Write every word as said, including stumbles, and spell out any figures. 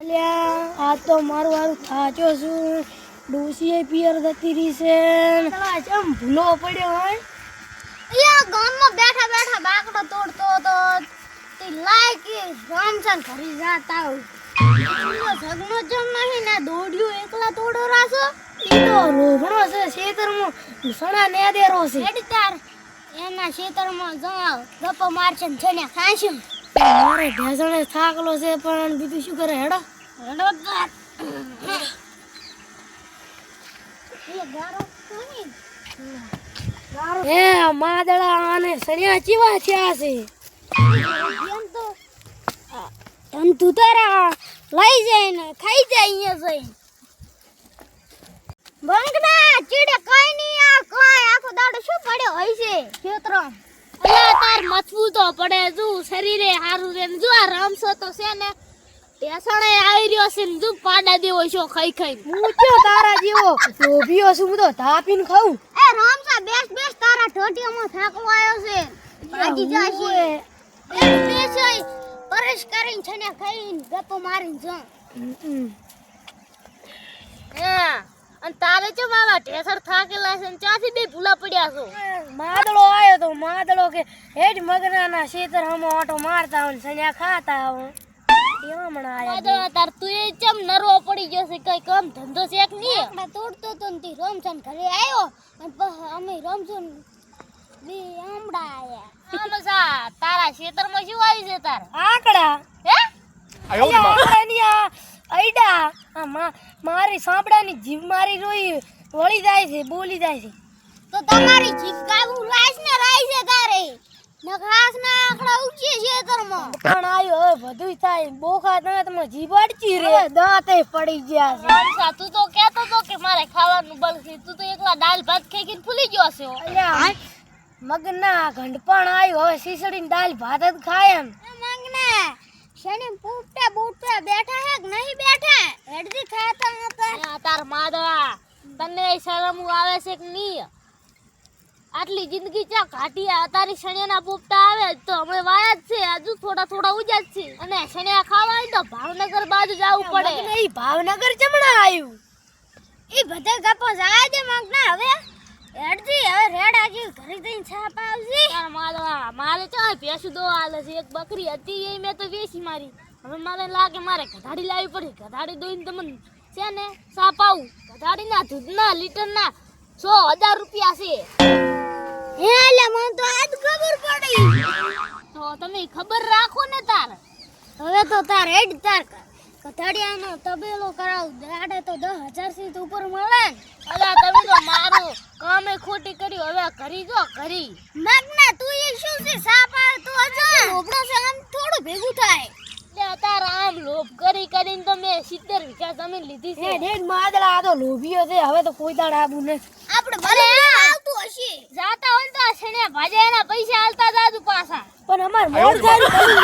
અલ્યા આ તો મારું હારું થાચો છું. ડોસીએ પિયર થતી રહી છે. ચમ ભૂલો પડ્યો હોય. અહીંયા ગામમાં બેઠા બેઠા બાકડો તોડતો હતો તે લાયકી રામચંદ ઘરી જાતા હોય સગનો જમ નહીં ને દોડ્યું એકલા તોડો રાસો ઈ તો રોગણો છે ખેતરમાં સણા ને દેરો છે. હેડી તાર એના ખેતરમાં જાવ ગપ્પો મારશે ને છને ખાશું. મારે ઢેસણે થાકલો છે પણ બીજું શું કરે હેડો હેડો તાર એ ગારો કોની હે માદળા અને સણિયા ચીવા થયા છે. એમ તો એમ તું તારા લઈ જાય ને ખાઈ જાય અહીંયા જઈ બંગના ચીડે કઈ નહીં આ કઈ આખો દાડો શું પડ્યો હોય છે ખેતરો અલ્યા તાર મથવું તો પડે જો શરીરે હારું રે જો આ રમસો તો છે ને ટેસણે આવી રહ્યો છે ને જો પાડા દેવો છો ખાઈ ખાઈ હું ક્યો તારા જેવો લોભીઓ છું. હું તો તાપીને ખાઉં. એ રામસા બેસ બેસ તારા ઠોટિયામાં થાકલો આવ્યો છે ભાગી જાશે એ બેસઈ પરેશ કરીને છને ખાઈને ગપ્પો મારીને જો હા અને તારે ચો માવા ઢેસર થાકેલા છે ને ચાથી બે ભૂલા પડ્યા છો. માદળો આવ્યો તો માદળો કે હેડ મગનાના ખેતર હમો ઓટો મારતા હોય ને સણિયા ખાતા હોય એવા મણા આયા. દાદા તાર તું એ ચમ નરવો પડી ગયો છે કઈ કામ ધંધો છે કે નહીં આપણે તોડતો તો ને તી રમસન ઘરે આવ્યો અને પછી અમે રમસન બે આમડા આયા આમસા તારા ખેતરમાં શું આવી છે તાર આકડા હે આકડાની આ આઈડા આ મા- મારી સાંભળાની જીભ મારી રોઈ વળી જાય છે બોલી જાય છે. તો તમારી જીભ કાબુ રાઈસ ને રાઈ છે તારે નખરાસ ના આખડા ઉચી ખેતરમાં પણ આયો હવે બધુંય થાય બોખા ના તમે જીભ અડચી રે દાંતે પડી ગયા છે. રમસા તું તો કહેતો તો કે મારે ખાવાનું બળ છે તું તો એકલા દાળ ભાત ખાઈ ખાઈને ફૂલી ગયો છે અલ્યા મગના ઘંટપણ આવ્યો હવે શીસડીને દાલ ભાત જ ખાય એમ. માંગના શને પૂપટા બૂટા બેઠા હે કે નહીં બેઠા હેડજી ખાતા હતા તાર માદવા તને શરમ આવે છે કે નહીં આટલી જિંદગી ચા ઘાટી આ તારી શણિયાના પૂપટા આવે તો અમે વાયા જ છે હજુ થોડા થોડા ઉજા જ છે અને શણિયા ખાવા હોય તો ભાવનગર બાજુ જવું પડે મગના ઈ ભાવનગર ચમણા આવ્યું. ઈ બધે ગપ્પો જાય દે માંગના હવે હેડજી હવે રેડ આજી ઘરે જઈને છાપ આવજી તાર માદવા મારે ચા ભેંસુ દો આલે છે એક બકરી હતી એ મેં તો વેચી મારી હવે મને લાગે મારે ગધાડી લાવી પડે ગધાડી દોઈને તમને છે ને સાપ આવું ગધાડીના દૂધના લીટરના સો હજાર રૂપિયા છે હે લે મને તો આજ ખબર પડી તો તમે ખબર રાખો ને તાર હવે તો તાર હેડ તાર ગધાડિયાનો તબેલો કરાવ દાડે તો દસ હજાર થી ઉપર મળે અલા તમે તો મારો કામે ખોટી કર્યું હવે કરી જો કરી મગના તું એ શું છે સાપ આવે તો અજા લોભડો છે આમ થોડું ભેગું થાય લે તાર આમ લોભ કરી કરીને તો મેં સિત્તેર વીઘા જમીન લીધી છે હે ઢેડ માદળા આ તો લોભીઓ છે હવે તો કોઈ દાડ આબુ નથી. આપણે ભલે આવતું હશે જાતા હોય તો આ છેને ભાજે એના પૈસા આલતા જાજુ પાછા પણ અમાર મોર થાય